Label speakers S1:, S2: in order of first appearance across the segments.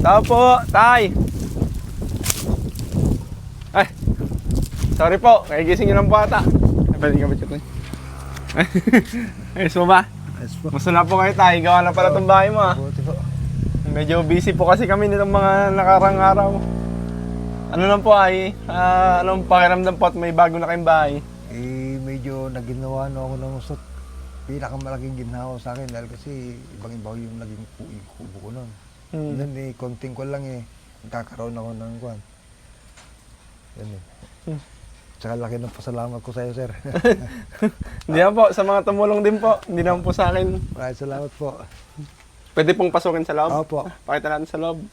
S1: Tao po, tay. Ay, sorry po, nagigising nyo lang po ata. Ay, pwede ka ba chat na? Ayos mo ba?
S2: Ayos po.
S1: Gusto na po kayo tay, gawa na pala itong bahay mo ah.
S2: Buti po.
S1: Medyo busy po kasi kami nitong mga nakarang araw. Ano lang po ay, anong pakiramdam po at may bago na kayong bahay?
S2: Medyo naginawa na ako ng usot. Pinakamalaking ginawa sa akin dahil kasi ibang-iba yung naging kubo ko nun. Nun konting ko lang nagkakaroon ako ng kwan. Yan Tsaka laki ng pasalamat ko sa iyo, sir.
S1: Hindi na po, sa mga tumulong din po. Hindi naman po sa akin.
S2: Maraming salamat po.
S1: Pwede pong pasukin sa loob?
S2: Opo.
S1: Pakita natin sa loob.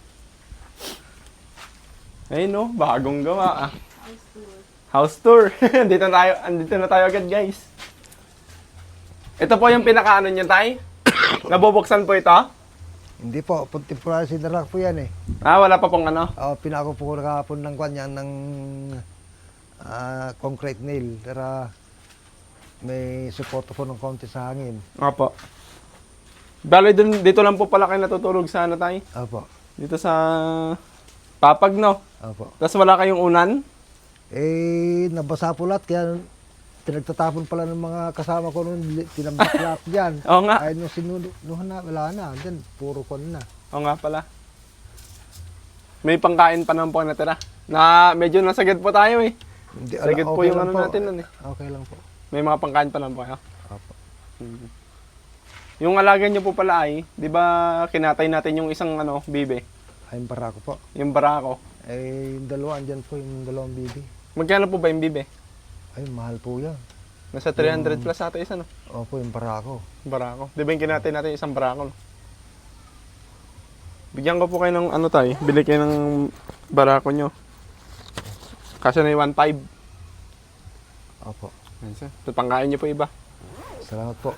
S1: Ayun no, bagong gawa ah. House tour. Andito na tayo agad guys. Ito po yung pinakaano niya tay? Nabubuksan po ito?
S2: Hindi po, temporary sinarak po yan
S1: Wala pa pong ano?
S2: Pinako po ko nakapon ng kwan yan ng concrete nail. Pero may support po ng konti sa hangin.
S1: Opo. Bale, dito lang po pala kayo natutulog sa ano tay?
S2: Opo.
S1: Dito sa Papag no?
S2: Opo.
S1: Tapos wala kayong unan?
S2: Nabasa po lahat kaya pinagtatapon pala ng mga kasama ko noon, tinambak lahat dyan.
S1: Oo nga.
S2: Ay, nung sinunuhan na, wala na. Dyan, puro kon na.
S1: Oo nga pala. May pangkain pa naman po natira. Na medyo nasagad po tayo eh.
S2: Hindi,
S1: Sagad po
S2: okay
S1: yung
S2: lang
S1: ano natin nun eh.
S2: Okay lang po.
S1: May mga pangkain pa naman po kayo.
S2: Opo.
S1: Yung alaga niyo po pala ay, di ba kinatay natin yung isang ano, bibe?
S2: Ay, yung barako po.
S1: Yung barako.
S2: Yung dalawa, andyan po, yung dalawang bibi.
S1: Magkano po ba yung bibe?
S2: Ay, mahal po yan.
S1: Nasa 300 plus ata isa no?
S2: Opo, yung barako.
S1: Barako. Di ba yung kinatay natin yung isang barako no? Bigyan ko po kayo ng ano tayo, bili kayo ng barako nyo. Kasi na yung 1.5.
S2: Opo.
S1: Ito pangkain nyo po iba.
S2: Salamat po.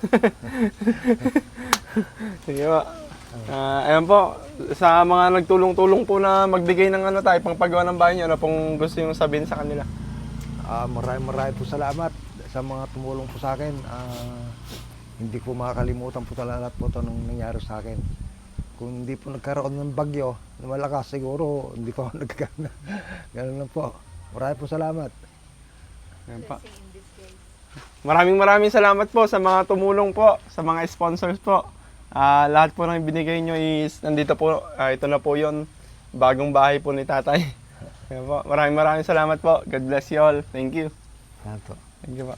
S1: Sige po. Ayan po, sa mga nagtulong-tulong po na magbigay ng ano tayo, pangpagawa ng bahay nyo, ano pong gusto yung sabihin sa kanila?
S2: Maraming po salamat sa mga tumulong po sa akin. Hindi ko makakalimutan po talaga po ito nung nangyari sa akin. Kung hindi po nagkaroon ng bagyo na malakas, siguro hindi pa ako nagkagana. Ganun lang po. Maraming po salamat.
S1: Ayan po. Maraming salamat po sa mga tumulong po, sa mga sponsors po. Lahat po ng binigay nyo is nandito po, ito na po yon, bagong bahay po ni tatay. Ayan po. Maraming salamat po. God bless you all. Thank you.
S2: Salamat po.
S1: Thank you po.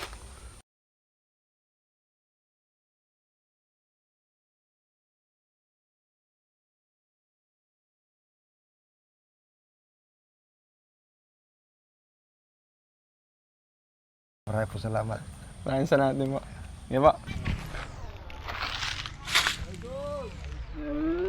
S2: Maraming po salamat.
S1: Maraming salamat din po. Thank you po.